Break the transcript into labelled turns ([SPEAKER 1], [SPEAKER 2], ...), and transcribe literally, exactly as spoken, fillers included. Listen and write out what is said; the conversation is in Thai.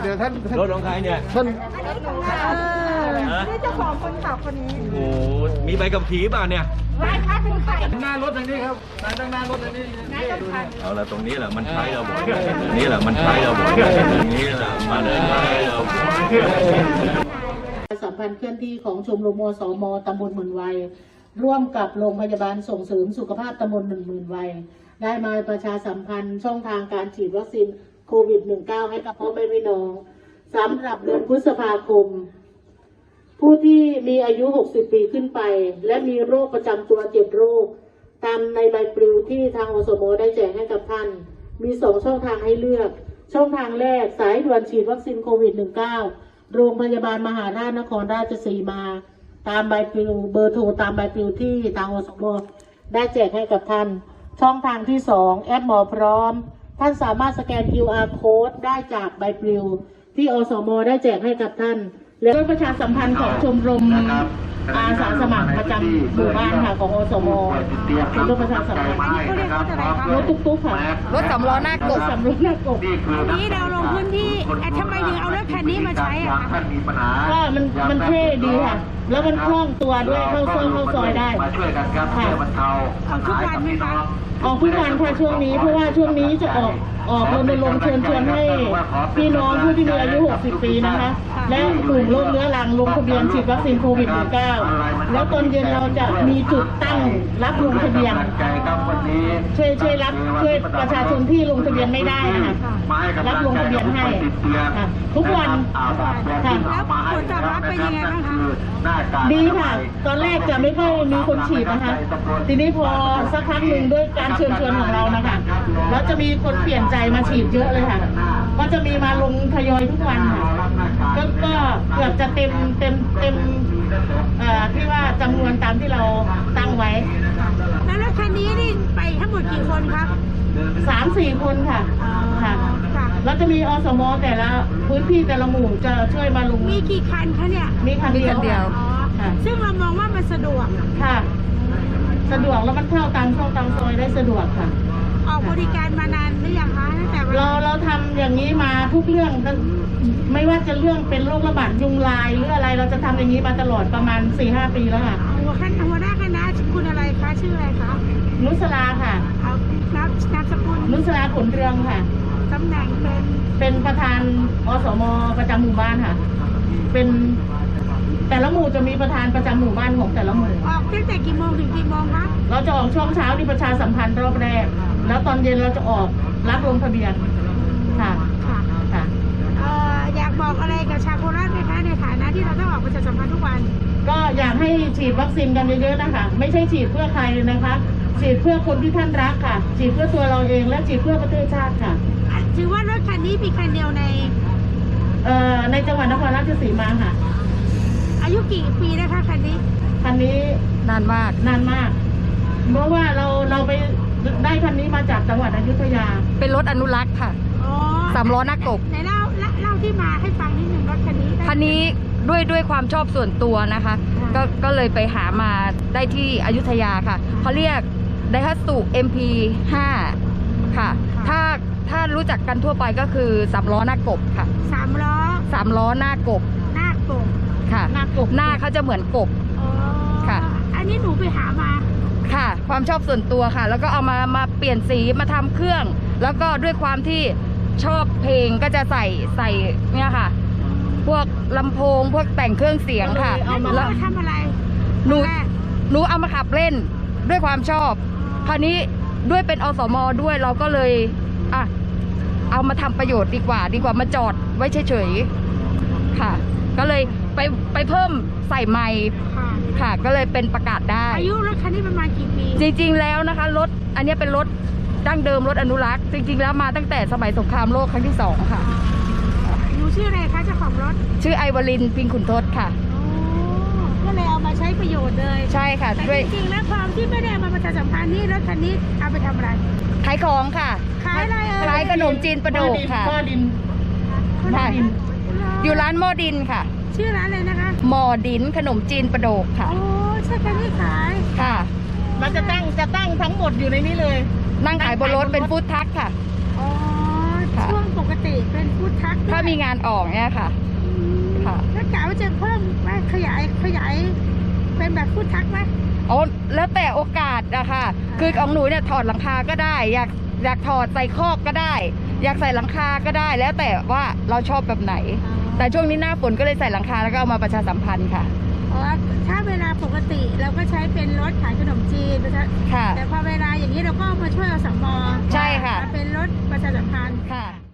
[SPEAKER 1] ดี๋ยวท่าน
[SPEAKER 2] รถของใครเนี่ย
[SPEAKER 1] ท่าน
[SPEAKER 3] นี่เจ้าของคนขับคนนี้
[SPEAKER 2] โอ้มีใบขับขี่ป่ะเนี่ย
[SPEAKER 3] ไม่ค่ะเป็นใคร
[SPEAKER 1] หน้ารถทางนี้ครับตั้งหน้ารถทางนี้
[SPEAKER 2] เอาละตรงนี้แหละมันใช้เราบ่อยตรงนี้แหละมันใช้เราบ่อยตรงนี้แหละมาเลยมาเลยเรา
[SPEAKER 4] สัมพันธ์เคลื่อนที่ของชมรมอสมตำบลหมื่นวัยร่วมกับโรงพยาบาลส่งเสริมสุขภาพตำบลหนึ่งหมื่นวัยได้มาประชาสัมพันธ์ช่องทางการฉีดวัคซีนโควิด สิบเก้า ให้กับพ่อแม่พี่น้องสำหรับเดือนพฤษภาคมผู้ที่มีอายุหกสิบปีขึ้นไปและมีโรคประจำตัวเจ็ดโรคตามในใบปลิวที่ทางอสมได้แจกให้กับท่านมีสองช่องทางให้เลือกช่องทางแรกสายด่วนฉีดวัคซีนโควิด สิบเก้า โรงพยาบาลมหาราชนครราชสีมาตามใบปลิวเบอร์โทรตามใบปลิวที่ทางอสมได้แจกให้กับท่านช่องทางที่สองแอปหมอพร้อมท่านสามารถสแกน คิว อาร์ Code ได้จากใบปลิวที่อสมได้แจกให้กับท่านและด้วยประชาสัมพันธ์ของชมรมอาสาสมัครประจำหมู่บ้านค่ะของอสมเป็นรถประชาสัมพันธ์รถตุ๊กๆค่ะ
[SPEAKER 3] รถสำล้อหน้ากบ
[SPEAKER 4] สำล้อหน้ากบ
[SPEAKER 3] นี้เราลงพื้นที่ทำไมถึงเอารถคันนี้มาใช้อ่ะ
[SPEAKER 4] ก็มันมันเท่ดีค่ะแล้วมันคล่องตัวด้วยเข้าซอยเข้าซอยได้ค่ะ
[SPEAKER 3] ออกทุกวันไหมคะ
[SPEAKER 4] ออกทุกวันค่ะช่วงนี้เพราะว่าช่วงนี้จะออกออกรณรงค์เชิญชวนให้พี่น้องผู้ที่มีอายุหกสิบปีนะคะและกลุ่มโรคเรื้อรังลงทะเบียนฉีดวัคซีนโควิด สิบเก้า แล้วตอนเย็นเราจะมีจุดตั้งรับลงทะเบียนช่วยช่วยรับช่วยประชาชนที่ลงทะเบียนไม่ได้นะคะรับลงทะเบียนให้ค่ะทุกวันค่ะ
[SPEAKER 3] แล้วผลตอบรับเป็นยังไงบ้างคะ
[SPEAKER 4] ดีค่ะตอนแรกจะไม่ค่อยมีคนฉีดนะคะทีนี้พอสักพักหนึ่งด้วยการเชิญชวนของเรานะคะแล้วจะมีคนเปลี่ยนใจมาฉีดเยอะเลยค่ะก็จะมีมาลงทยอยทุกวันค่ะก็ก็เกือบจะเต็มเต็มเต็มเอ่อที่ว่าจำนวนตามที่เราตั้งไว้
[SPEAKER 3] แล้วรถคันนี้นี่ไปทั้งหมดกี่คนครับ
[SPEAKER 4] สามสี่คนค่ะค่ะแล้วจะมีอสมแต่ละพื้นที่แต่ละหมู่จะช่วยมาลง
[SPEAKER 3] มีกี่คันคะเนี่ย
[SPEAKER 4] มีคันเดียว
[SPEAKER 3] เดียวซึ่งเรามองว่ามันสะดวก
[SPEAKER 4] ค่ะสะดวกแล้วมันเข้าตามช่องตามซอยได้สะดวกค่ะ
[SPEAKER 3] ออกบริการมานานหรือยังคะตั้งแต่
[SPEAKER 4] เราเราทำอย่างนี้มาทุกเรื่องไม่ว่าจะเรื่องเป็นโรคระบาดยุงลายหรืออะไรเราจะทำอย่างนี้มาตลอดประมาณ สี่ห้า ปีแล้วค่ะ
[SPEAKER 3] หัวขั้นหัวหน้าคณะคุณอะไรคะชื่ออะไรคะ
[SPEAKER 4] นุสราค่ะ
[SPEAKER 3] เอานามนามสกุล
[SPEAKER 4] นุสราผลเรืองค่ะ
[SPEAKER 3] ตำแหน่งเป็น
[SPEAKER 4] เป็นประธานอสมประจำหมู่บ้านค่ะเป็นแต่ละหมู่จะมีประธานประจำหมู่บ้านของแต่ละหมู่
[SPEAKER 3] ออกตั้งแต่กี่โมงถึงกี่โมงคะ
[SPEAKER 4] เราจะออกช่วงเช้าที่ประชาสัมพันธ์รอบแรกแล้วตอนเย็นเราจะออกรับลงทะเบียนค่ะ
[SPEAKER 3] ค่ะ
[SPEAKER 4] ค่ะ
[SPEAKER 3] เอ่ออยากบอกอะไรกับชาวโคราชไหมคะในฐานะที่เราต้องออกประชาสัมพันธ์ทุกวัน
[SPEAKER 4] ก็อยากให้ฉีดวัคซีนกันเยอะๆนะคะไม่ใช่ฉีดเพื่อใครนะคะฉีดเพื่อคนที่ท่านรักค่ะฉีดเพื่อตัวเราเองและฉีดเพื่อประเทศชาติค่ะ
[SPEAKER 3] ถือว่ารถคันนี้มีคันเดียวใน
[SPEAKER 4] เอ่อในจังหวัดนครราชสีมาค่ะ
[SPEAKER 3] อายุกี่ปีนะคะคันนี้
[SPEAKER 4] คันนี้
[SPEAKER 3] นานมาก
[SPEAKER 4] นานมากเพราะว่าเราเราไปได้คันนี้มาจากจังหวัดอยุธยา
[SPEAKER 3] เป็นรถอนุรักษ์ค่ะอ๋อสามล้อหน้ากบไหนเล่าเล่าที่มาให้ฟังนิดหนึ่งรถคันนี้คันนี้ด้วยด้วยความชอบส่วนตัวนะคะก็ก็เลยไปหามาได้ที่อยุธยาค่ะเขาเรียกไดฮัตสุ เอ็ม พี ห้า ค่ะถ้าถ้ารู้จักกันทั่วไปก็คือสามล้อหน้ากบค่ะสามล้อสามล้อหน้ากบหน้ากบค่ะหน้ากบหน้าเขาจะเหมือนกบค่ะอันนี้หนูไปหามาค่ะความชอบส่วนตัวค่ะแล้วก็เอามามาเปลี่ยนสีมาทำเครื่องแล้วก็ด้วยความที่ชอบเพลงก็จะใส่ใส่เนี่ยค่ะพวกลำโพงพวกแต่งเครื่องเสียงค่ะแล้วทำอะไรหนูหนูเอามาขับเล่นด้วยความชอบคราวนี้ด้วยเป็นอสมด้วยเราก็เลยอ่ะเอามาทำประโยชน์ดีกว่าดีกว่ามาจอดไว้เฉยๆค่ะก็เลยไปไปเพิ่มใส่ไมค์ค่ะก็เลยเป็นประกาศได้อายุรถคันนี้ประมาณกี่ปีจริงๆแล้วนะคะรถอันนี้เป็นรถดั้งเดิมรถอนุรักษ์จริงๆแล้วมาตั้งแต่สมัยสงครามโลกครั้งที่สองค่ะหนูชื่ออะไรคะเจ้าของรถชื่อไอวลินพิงขุนทศค่ะก็เลยเอามาใช้ประโยชน์เลยใช่ค่ะแต่จริงๆแล้วความที่ไม่ได้มาประชาสัมพันธ์นี่รถคันนี้เอาไปทำอะไรขายของค่ะขายอะไรเอ่ยขายขนมจีนประโดกค่ะหม้อดินอยู่ร้านหม้อดินค่ะชื่อร้านอะไรนะคะหม้อดินขนมจีนประโดกค่ะโอ้ใช่คันนี้ขายค่ะเราจะตั้งจะตั้งทั้งหมดอยู่ในนี้เลยนั่งขายบนรถเป็นฟู้ดทัคค่ะอ๋อช่วงปกติเป็นฟู้ด
[SPEAKER 5] ทัก
[SPEAKER 3] ถ้ามีงานออกเนี่ยค่ะ ค่ะ
[SPEAKER 5] แล้วกะว่าจะเพิ่มไหมขยายขยายเป็นแบบฟู้ดทักไหม
[SPEAKER 3] โอ้แล้วแต่โอกาสอะค่ะ คือของหนูเนี่ยถอดหลังคาก็ได้ อยากอยากถอดใส่คอกก็ได้ อยากใส่หลังคาก็ได้ แล้วแต่ว่าเราชอบแบบไหน แต่ช่วงนี้หน้าฝนก็เลยใส่หลังคาแล้วก็เอามาประชาสัมพันธ์ค่ะ
[SPEAKER 5] เพราะว่าถ้าเวลาปกติเราก็ใช้เป็นรถขายขนมจีน
[SPEAKER 3] ค่ะ
[SPEAKER 5] แต่พอเวลาอย่างนี้เราก็มาช่วยอสม
[SPEAKER 3] ใช่ค่ะ
[SPEAKER 5] มาเป็นรถประชาสัมพันธ์
[SPEAKER 3] ค่ะ